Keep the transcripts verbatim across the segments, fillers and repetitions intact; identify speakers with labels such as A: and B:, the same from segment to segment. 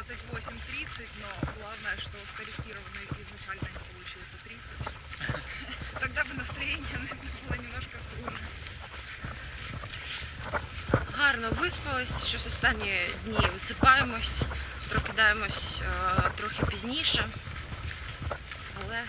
A: двадцать восемь тридцать, но главное, что скорректированный изначально не получился тридцать. Тогда бы настроение было немножко хуже.
B: Гарно виспались, щось останні дні висипаємось, прокидаємось е, трохи пізніше, але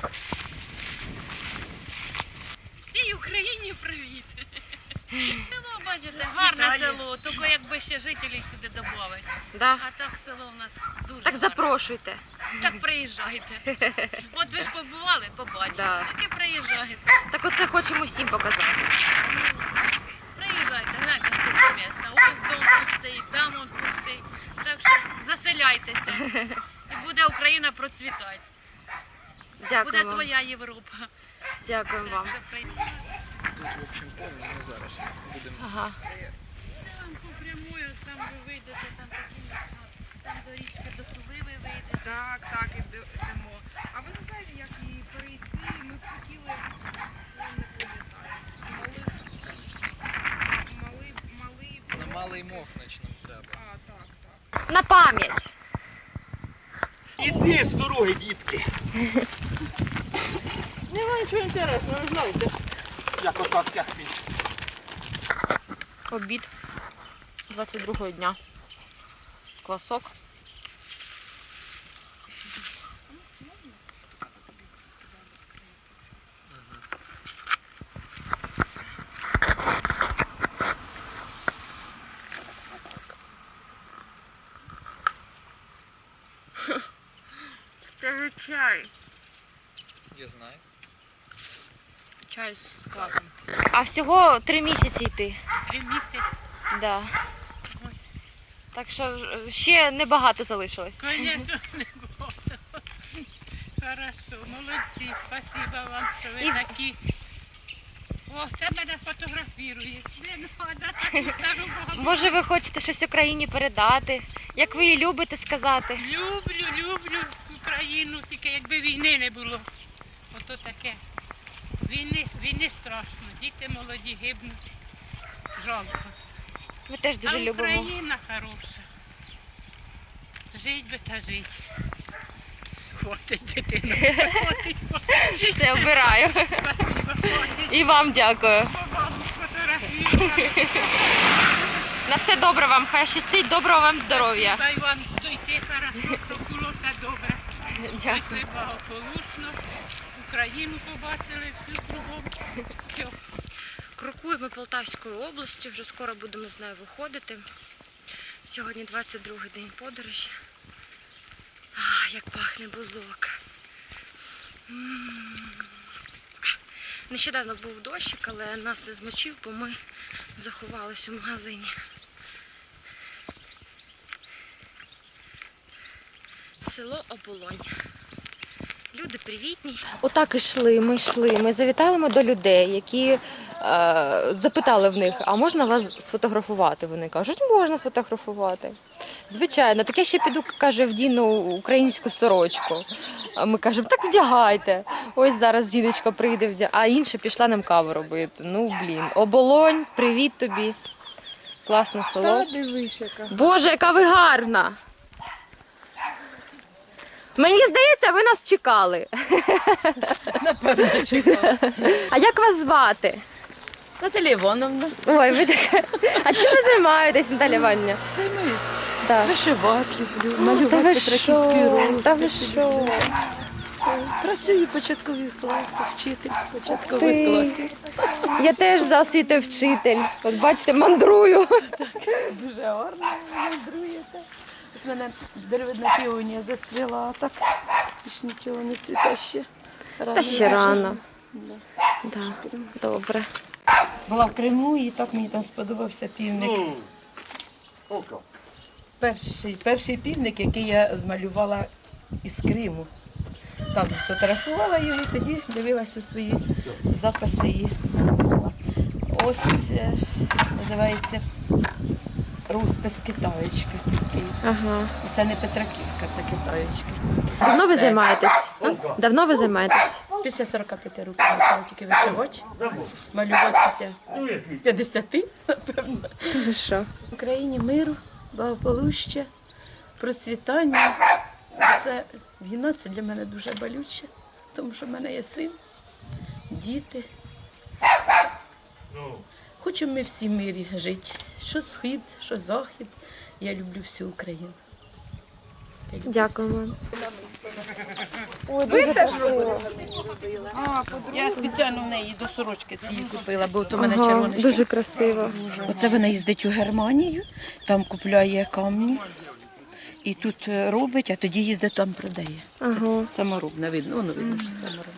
C: всій Україні привіт! Село, бачите, гарне село, тільки якби ще жителів сюди додати.
B: да.
C: А так село в нас дуже
B: Так
C: гарне.
B: запрошуйте.
C: Так приїжджайте. От ви ж побували, побачили,
B: Да.
C: так і приїжджайте.
B: Так оце хочемо всім показати.
C: Приїжджайте, гляньте, скільки міста. Ось дом пустий, там он пустий. Так що заселяйтеся. І буде Україна процвітати. Буде
B: Дякую вам.
C: своя Європа.
B: Дякуємо вам.
C: Так, при-
D: Тут, в общем, поле, ми зараз будемо.
B: Ага.
C: Там по прямою, там ви вийдете, там такі місця, там до річки, до Сули ви вийдете.
A: Так, так, ідемо. А ви не знаєте, як її перейти? Ми б хотіли, я не пам'ятаю, з малих, малий, малий,
D: На малий Мохнач нам треба.
A: а, так, так.
B: На пам'ять.
E: Іди з дороги, дітки.
F: Немає нічого інтересного, ви знаєте.
E: Як отак тягти.
B: Обід двадцять другого дня. Квасок.
A: Це же чай.
D: Я знаю.
B: Чай з квасом. А всього три місяці йти.
C: Три місяці.
B: Да. Так що ще небагато залишилось.
C: Звісно, не було. Хорошо, молодці, спасибо вам, що ви
B: І-
C: такі. О, це мене фотографірує. Не треба, так скажу Богу.
B: Може ви хочете щось Україні передати? Як ви її любите сказати?
C: Люблю, люблю Україну, тільки якби війни не було. Ото таке. Війни, війни страшно, діти молоді гибнуть. Жалко.
B: Ми теж дуже
C: А
B: любимо.
C: Україна хороша. Жить би та жить. Хватить дитина. Хватить, хватить.
B: Все, обираю. І вам дякую.
C: Бабу сфотографірували.
B: На все добре вам, хай щастить, доброго вам здоров'я.
C: Дай вам дойти хорошо, щоб було все добре.
B: Дякую.
C: Дійшли благополучно. Україну побачили, всю кругом. Все.
B: Крокуємо Полтавською областю, вже скоро будемо з нею виходити. Сьогодні двадцять другий день подорожі. А, як пахне бузок. М. Нещодавно був дощик, але нас не змочив, бо ми заховались у магазині. Село Оболонь. Люди привітні. Отак йшли, ми йшли. Ми завітали ми до людей, які е, запитали в них, а можна вас сфотографувати? Вони кажуть, можна сфотографувати. Звичайно, так я ще піду, каже, вдіну українську сорочку. А ми кажемо, так вдягайте. Ось зараз жіночка прийде, вдя... а інша пішла нам каву робити. Ну, блін. Оболонь, привіт тобі. Класне село.
A: Дивись, яка.
B: Боже, яка ви гарна! Мені здається, ви нас чекали.
F: Напевно, чекала.
B: А як вас звати?
F: Наталя Івановна,
B: Ой, ви така. А чим ви займаєтесь, Наталя Іванівна?
F: займаюсь.
B: Так.
F: Вишивати люблю,
B: Та
F: малювати
B: ви
F: петраківський
B: що? Та ви
F: розпис.
B: що?
F: Працюю в початкових класах, вчитель початкових
B: Ти.
F: класів.
B: Я теж за освітою вчитель. От бачите, мандрую.
F: Дуже гарно мандруєте. Ось в мене деревидна піонія зацвіла, а так більш нічого не цвіте ще. Рано
B: Та ще
F: дуже.
B: рано.
F: Да.
B: Так, добре.
F: Була в Криму і так мені там сподобався півник. Перший, перший півник, який я змалювала із Криму. Там сфотографувала його і тоді дивилася свої записи. І ось це називається розпис китаєчки. такий.
B: Ага.
F: Це не Петраківка, це китаєчки.
B: Давно ви займаєтесь? Давно ви займаєтесь?
F: Після сорока п'яти років почала тільки вишивати, малювати після п'ятдесяти, напевно.
B: Ви що?
F: В Україні миру, благополуччя, процвітання. Це війна, це для мене дуже болюче, тому що в мене є син, діти. Хочемо ми всі в мирі жити. Що схід, що захід. Я люблю всю Україну. Я люблю
B: Дякуємо.
A: Ви теж робили?
F: Я спеціально в неї до сорочки цієї купила, бо то в мене
B: Ага,
F: червоне.
B: дуже красиво.
F: Оце вона їздить у Германію, там купляє камні і тут е, робить, а тоді їздить там продає.
B: Ага.
F: Це саморобне, видно, воно видно, що саморобне.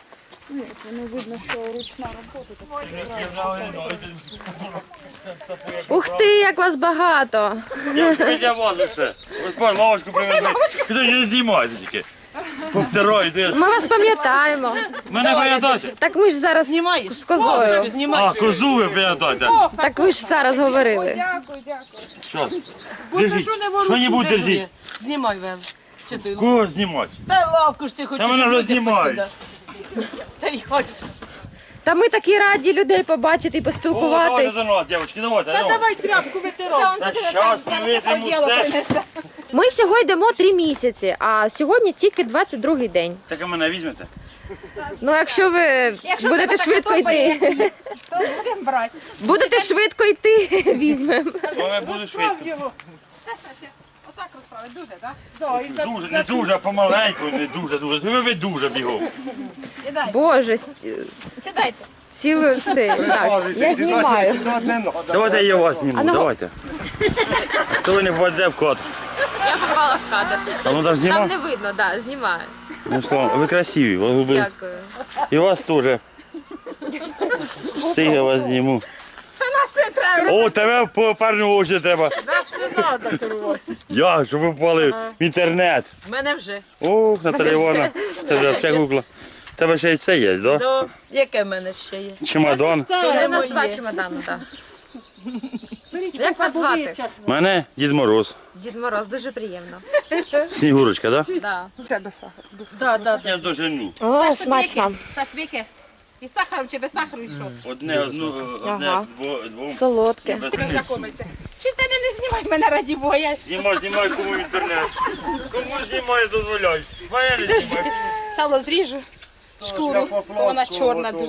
B: Ух ти, як вас багато!
G: Дівчинка, для вас усе. Ось пан лавочку привезли. Хто ж не знімаєте тільки? Повтираєте.
B: Ми вас пам'ятаємо.
G: Мене пам'ятаєте?
B: Так ми ж зараз
F: Знімаєш?
B: з козою.
G: А, козу ви пам'ятаєте.
B: Так ви ж зараз говорили.
A: Дякую, дякую.
G: Що? Держіть. Що-небудь держіть.
F: Знімай, Вел. Чи ти?
G: Кого знімати?
F: Та лавку ж ти хочеш.
G: Та мене
F: щоб
G: вже
F: люди
G: знімають.
F: посідали. Та й хочеш.
B: Та ми такі раді людей побачити і
G: О, давайте
B: поспілкуватись.
G: за нас, дівчатки, давайте. Та
F: Давай тряпку витирай.
G: Та щас ми візьмемо все.
B: Ми всього йдемо три місяці, а сьогодні тільки двадцять другий день.
G: Так а мене візьмете?
B: Ну, якщо ви будете швидко йти,
F: То будемо брати.
B: будете швидко йти, візьмемо.
G: З вами буду швидко.
F: Отак розставити, дуже, так?
G: Дуже, не дуже, помаленьку, не дуже, дуже. Ви ви дуже бігом.
B: Боже, с-
F: Сідайте.
B: цілу цей. Так, я знімаю.
G: Давайте я вас зніму,
B: А ну,
G: давайте. То ви не попадете в кадр.
B: Я попала в кадр.
G: А ну так знімав?
B: не видно, так, знімаю.
G: Ну що, ви красиві, ви голуби.
B: Дякую.
G: І вас теж. Всіх я вас зніму.
F: Нас не треба.
G: О, тебе по парню очі треба.
F: Нас не треба керувати.
G: Я, щоб ви попали в інтернет.
F: В мене вже.
G: Ох, Наталя Івановна, це вже все гугла. Тебе ще й це є, да?
F: Да. Яке в мене ще є?
G: Чемодан.
B: Це у нас
F: моє.
B: два чемодани, так. Як вас звати?
G: Мене Дід Мороз.
B: Дід Мороз, дуже приємно.
G: Снігурочка, так?
B: Да.
F: Да, да.
G: Я дожену.
B: О, смачно.
F: Саш, віки. І сахаром чи без сахару йшов?
G: Одне, одну, одне,
B: Ага.
G: дво- двом.
B: Солодке.
G: Без
F: Тебе
G: місця.
F: знайомиться. Чи ти не, не знімай мене раді Бога? Я
G: Знімай, знімай, кому в інтернет. Кому знімай, дозволяй. Мене не знімай.
F: сало зріжу. Шкуру, бо вона чорна дуже.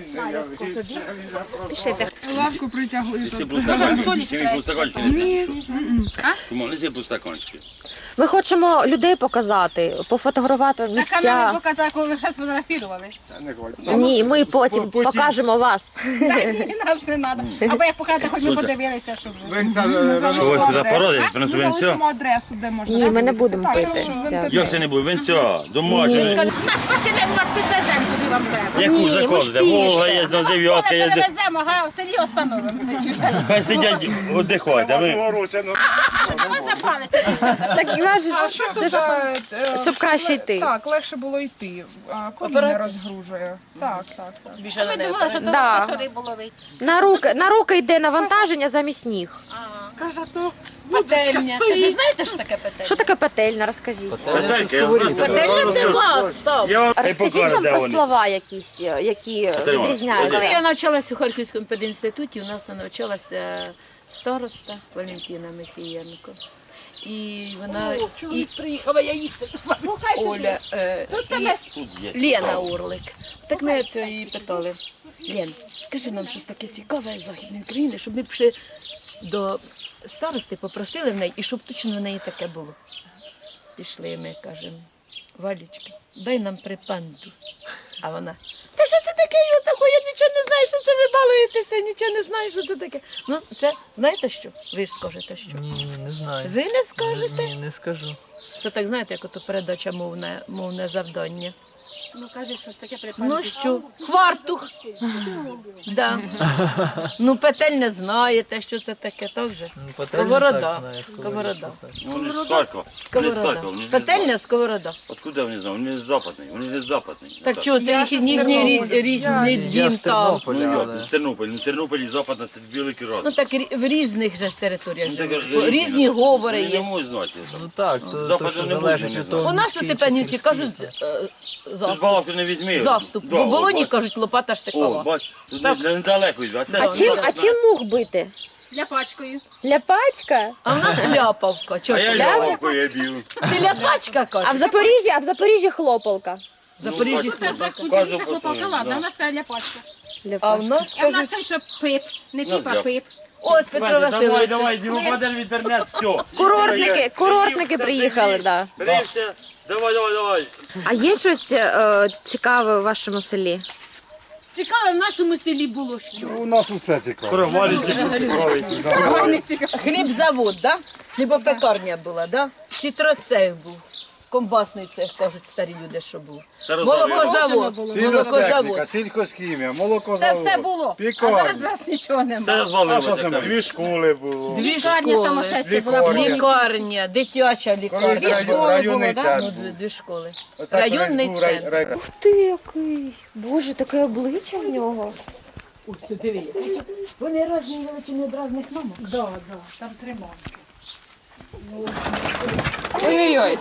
F: Пішли.
A: Лавку притягли.
G: Неси пустаканчики. Ні. Кому, неси пустаканчики.
B: Ми хочемо людей показати, пофотографувати
F: На камеру
B: місця.
F: показала, коли ви сфотографували.
B: Ні, ми потім покажемо вас.
F: І нас не треба. Або як показати, хоч ми подивилися, що вже.
G: Що ви сюди породитесь, принесу венця?
A: Залишимо адресу, де можна.
B: Ні, ми не будемо
A: Так,
B: пити.
A: що в
B: Дякую.
G: Як це не буде? Венця, домашнє.
F: Нас машини, ми вас підвеземо, куди вам треба.
G: Яку
B: Ні, ми ж
G: заходите?
B: пішки.
G: Волга є, на дев'ятка
F: Коли
G: є.
F: перевеземо, ага, в селі остановимо. тоді вже.
G: Хай сидять, віддихайте. Ви
F: Ось запалиться, дівчата.
B: Так кажуть,
A: Що тут, е, е,
B: щоб краще йти.
A: Так, легше було йти. А, коліна не розгружує. Так, так, так.
F: Більше ми думали, що до
B: Да.
F: вас на рибу ловить.
B: На руки, на руки йде навантаження замість ніг.
F: Петельня. Ви знаєте, що таке петельня?
B: Що таке петельна? Розкажіть.
F: Петельня це вас, так.
G: Я вам
B: Розкажіть
G: покажу,
B: нам
G: де
B: про
G: вони.
B: слова якісь, які відрізняються.
F: Коли я навчалася у Харківському пединституті, у нас навчалася староста Валентина Михієнко. І вона і приїхала, я їсти Оля е, і Лена Орлик. Так ми от її питали: Лен, скажи нам щось таке цікаве з Західної України, щоб ми пішли до старости, попросили в неї, і щоб точно в неї таке було. Пішли ми, кажемо, Валічка, дай нам припанду. А вона: та що це таке? Я такого, я нічого не знаю, що це ви балуєтеся, нічого не знаю, що це таке. Ну, це, знаєте що? Ви ж скажете, що?
D: Ні, ні, не знаю.
F: Ви не скажете?
D: Ні, не скажу.
F: Це так, знаєте, як ото передача мовне, мовне завдання.
C: Ну кажи, щось таке припадає.
F: Ну що? Хвартух. Да. Ну, петель не знаєте, що це таке, так же?
D: Ну, пательню
F: Сковорода.
D: так знаю,
F: Сковорода.
G: Вони з Харкова. Вони з
F: Сковорода.
G: Харкова, вони ж не
F: Петельня,
G: знають.
F: сковорода.
G: Откуда вони знають? Вони з западний, вони з западний.
F: Так чого, це їх їхній рід- рідний
D: Я
F: дім
D: з
F: там.
D: Тернополя,
G: Ну,
D: але...
G: як, з Тернополя. Ну, Тернополь і западна, це великий
F: Ну
G: раз.
F: так рі- в різних же ж територіях
G: Ну, так,
F: живуть.
G: різні,
F: Різні
G: так.
F: говори
G: Вони не
F: є.
G: можуть знати.
D: Ну так, то, то
G: Западу
D: що
G: не
D: залежить
G: буде,
D: від
G: не
D: того,
F: У нас у
D: міський чи
F: Степанівці
D: сільський.
F: кажуть е,
G: Тут
F: заступ.
G: балаку не візьми.
F: Заступ.
G: Да,
F: В оболоні
G: бач.
F: кажуть лопата
G: О,
F: штикова.
G: бач, тут не- недалеко йде. А, це-
B: А чим, а чим мух бити?
H: Ляпачкою.
B: Ляпачка?
F: А в нас ляпавка.
G: А
F: Чого
G: я
F: ти ляпав?
G: льовкою б'ю.
F: Ти ляпачка,
B: А в
F: каже.
B: Запоріжжі, а в Запоріжжі хлопалка.
F: Запоріжжі
H: Тут вже
F: хлопавка.
H: худіше хлопалка, ладно, а в нас каже ляпачка.
F: А в нас,
H: А в нас
F: кажуть,
H: каже, що пип, не піп, а пип.
F: ось Петро
G: Давай,
F: Васильович.
G: давай, не випадеш в інтернет, все.
B: Курортники, курортники приїхали, да.
G: Берися, давай, давай, давай.
B: А є щось е, цікаве у вашому селі?
F: Цікаве в нашому селі було що?
E: У нас усе цікаво.
G: Короваліці, коровики.
F: Хлібзавод, да? Хлібопекарня була, да? Сітроцех був. Комбасний цех, кажуть старі люди, що був.
G: Це розмовляємо.
F: Молокозавод.
E: Сільгостехніка,
F: Молокозавод.
E: сільхозхімія,
H: Це
E: молокозавод.
H: все було. А
E: Пікарня.
H: зараз у нас нічого
G: Це
H: немає.
E: А що
G: розвалилося.
E: ж немає? Дві школи було.
F: Дві
H: Лікарня
F: школи.
H: самошестя була.
E: Лікарня.
H: повністю.
F: Лікарня, дитяча
E: Колись
F: лікарня.
H: Дві школи
E: рай- районний
H: було, да?
F: Ну,
E: центр
F: дві,
E: був.
F: дві школи.
E: Оце
F: Районний
E: колись був рай-
F: центр.
E: рай-
B: Ух ти, який! Боже, таке обличчя в нього.
F: Ось диви. Вони різні величини від різних мамок.
H: Да, да, там три мамки.
B: Ой-ой-ой.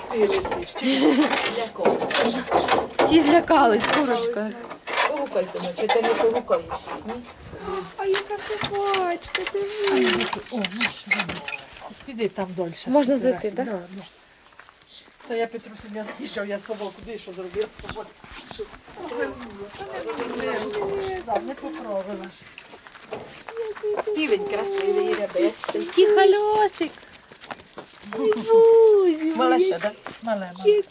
B: Всі злякались, курочка.
F: Погукайте, ну, чи ти не погукаєш?
B: А яка собачка, диви.
I: Піди там дольше.
B: Можна
I: збирай.
B: зайти, так?
I: Да, да. Це я Петру сьогодні я заїжджав, я собаку, куди що зробила з собою. Що? Да, не поправила ж.
F: Півень красивий, рябестий.
B: Тихо, Льосик.
F: Малаша, так?
I: Мале, мале.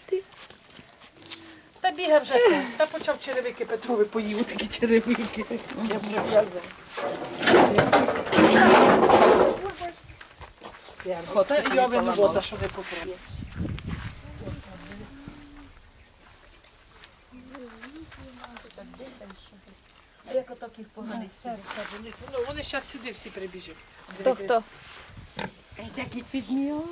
I: Та бігав вже там. Та почав черевики Петрові поїв, такі черевики. Я прив'язав. Це я винувата, що не поправила.
F: А як отак їх поганий
I: Все, все, вони, ну, вони зараз сюди всі прибіжать.
B: Хто хто?
F: Які підняли.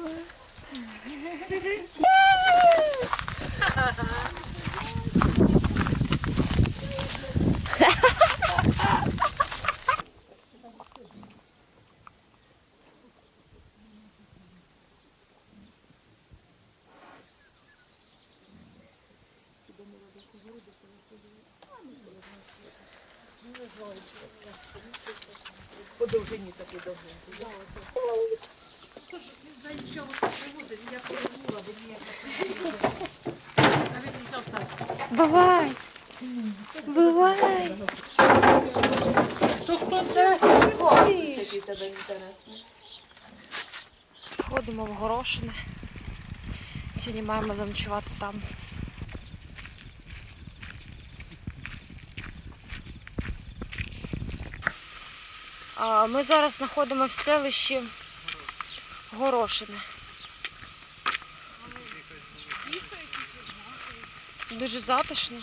F: По довжині такі довжині.
B: Бувай. Бувай.
F: Який тебе інтересний.
B: Ходимо в Горошине. Сьогодні маємо заночувати там. А, Ми зараз знаходимося в селищі Горошине. Дуже затишно.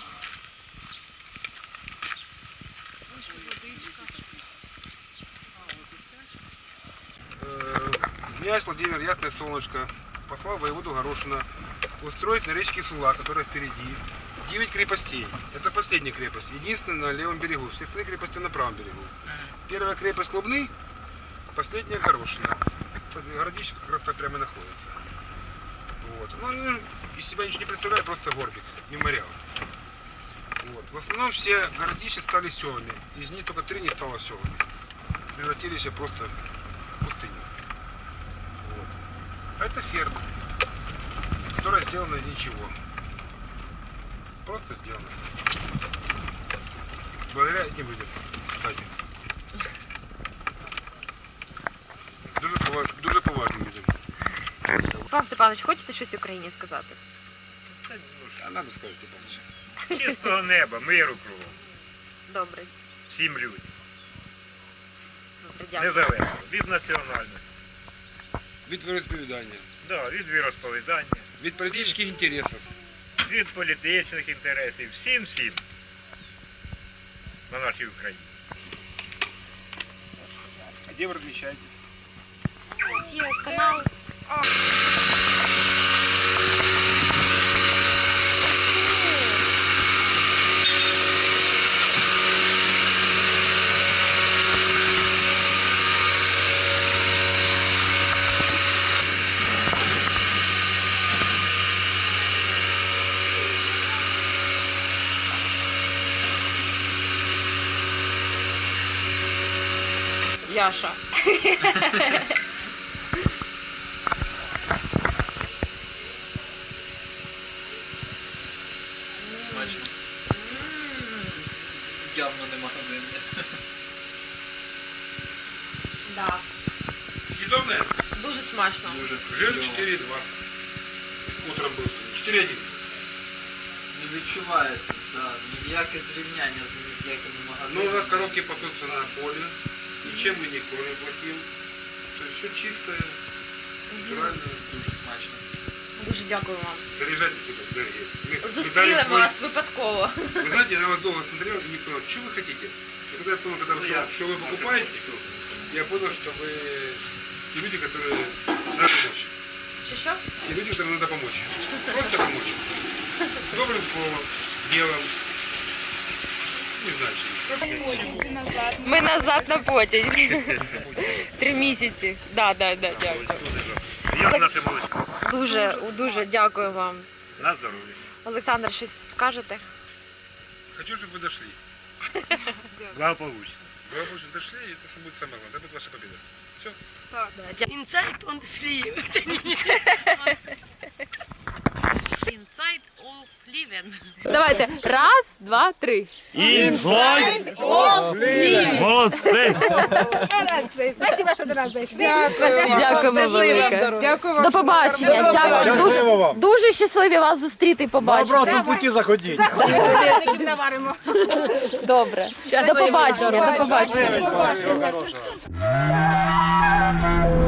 J: Князь Владимир Ясное Солнышко послал воеводу Горошина устроить на речке Сула, которая впереди, девять крепостей. Это последняя крепость, единственная на левом берегу. Все остальные крепости на правом берегу. Первая крепость Лубны, последняя Горошина. Городище как раз так прямо и находится. Вот. Ну, они из себя ничего не представляют, просто горбик, мемориал. Вот. В основном все городища стали селами. Из них только три не стало селами. Превратились просто в пустыню. Вот. А это ферма, которая сделана из ничего. Просто сделана. Благодаря этим людям, кстати. Дуже, поваж... Дуже поважним людям.
B: Пан Степанович, хочете щось Україні сказати?
J: А надо сказати, Степанович.
E: Чистого неба, миру кругом.
B: Добре,
E: Всім людям.
B: добре, дякую.
E: Незалежно. Від національності.
J: Від віросповідання,
E: Да, від віросповідання.
J: від політичних інтересів.
E: Від політичних інтересів. Всім-всім. На нашій Україні.
J: А де ви розміщаєтесь?
B: Ось є канал. Яша.
D: Смачно. Явно не магазинне.
B: Да,
J: Съедобное?
B: дуже смачно.
D: Дуже
J: Жир
D: кльово.
J: четыре и два. Утром был. четыре один.
D: Не відчувається, да, ніяке зрівняння з ні з якими
J: Ну, у
D: магазинами.
J: нас коробки пасутся на поле. Ничем мы не кормим плохим. То есть все чистое, натуральное.
D: Дуже смачно.
B: Дуже дякую вам.
J: Заряжайтесь, ребят, дорогие. Мы- мы
B: Зустріли
J: дали
B: ми
J: свой-
B: вас випадково.
J: Вы знаете, я на вас долго смотрел и не понял, что вы хотите. И когда я понял, когда вы, что, что вы покупаете, я понял, что вы те люди, которые надо помочь.
B: Чи що?
J: Те люди, которым надо помочь. Просто помочь. С добрым словом, делом. Не знаю, чем.
B: Ми назад на потязі. Три місяці. Да, да, да, дякую.
E: Як наше молочко?
B: Дуже, дуже дякую вам.
E: На здоров'я.
B: Олександр, щось скажете?
J: Хочу, чтобы вы дошли.
E: Благополучно.
J: Вы обычно дошли, и это будет самое главное. Это будет ваша победа. Все.
F: Інсайт он флів.
B: Inside of living. Давайте. Раз, два, три.
G: Інсайд! Молодці!
H: Спасибо, що до нас зайшли.
B: Дякуємо велике. До побачення. Дякую. Дуже, дуже щасливі вас зустріти і побачити.
E: На обратному путі заходіть.
H: Наваримо.
B: Добре. До побачення. До побачення.
E: Всього хорошого.